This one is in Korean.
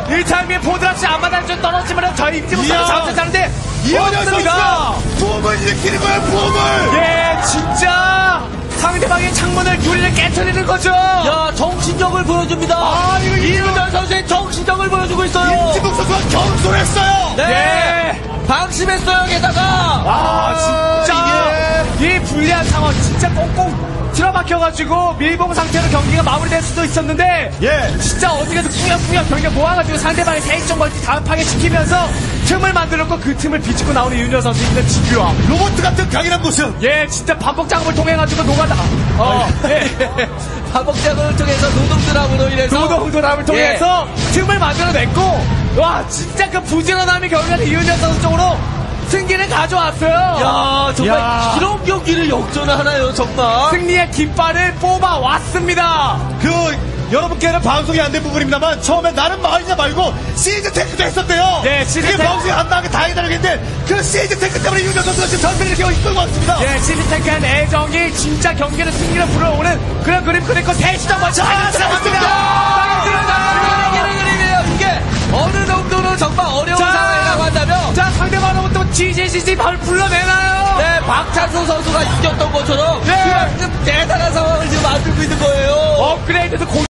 이 타이밍에 포드라치 앞마당 좀 떨어지면 저희 입지 못하고 잡혔다는데 이현현 없습니다. 선수가 붐을 일으키는 거예요, 붐을. 예, 진짜 상대방의 창문을 유리를 깨트리는 거죠. 야, 정신력을 보여줍니다. 아, 이거 이윤열 선수의 정신력을 보여주고 있어요. 임지국 선수가 경솔했어요. 네. 방심했어요, 게다가. 진짜 이 불리한 상황 진짜 꽁꽁 틀어박혀가지고 밀봉 상태로 경기가 마무리될 수도 있었는데 진짜 어떻게든 꾸역꾸역 경기가 모아가지고 상대방의 세익종 멀티 다음 파괴시키면서 틈을 만들었고 그 틈을 비집고 나오는 윤여 선수의 집요함. 로봇 같은 강인한 모습. 예, 진짜 반복 작업을 통해가지고 노가다. 반복 작업을 통해서 노동드랍으로 인해서 노동도람을 통해서 틈을 만들어냈고 와 진짜 그 부지런함이 결국에는 이윤여 선수 쪽으로 승기를 가져왔어요. 야, 정말 야. 이런 경기를 역전하나요, 정말? 승리의 깃발을 뽑아왔습니다. 여러분께는 방송이 안 된 부분입니다만 처음에 나는 말이냐 말고 시즈 테크도 했었대요. 네, 시즈 그게 테크. 방송이 안 나가게 다행이다라고 했는데 그 시즈 테크 때문에 윤정 선수가 지금 전세를 이렇게 이끌고 왔습니다. 예, 시즈테크의 애정이 진짜 경기를 승리로 불어오는 그런 그림 그리고 대시장 먼저 잘했습니다. 그림이에요. 이게 어느 정도로 정말 어려운 자. 상황이라고 한다면 자, 상대방으로부터 GGGG 바로 불러내나요? 네, 박찬수 선수가 이겼던 것처럼 네. 그만큼 대단한 상황을 지금 만들고 있는 거예요. 업그레이드도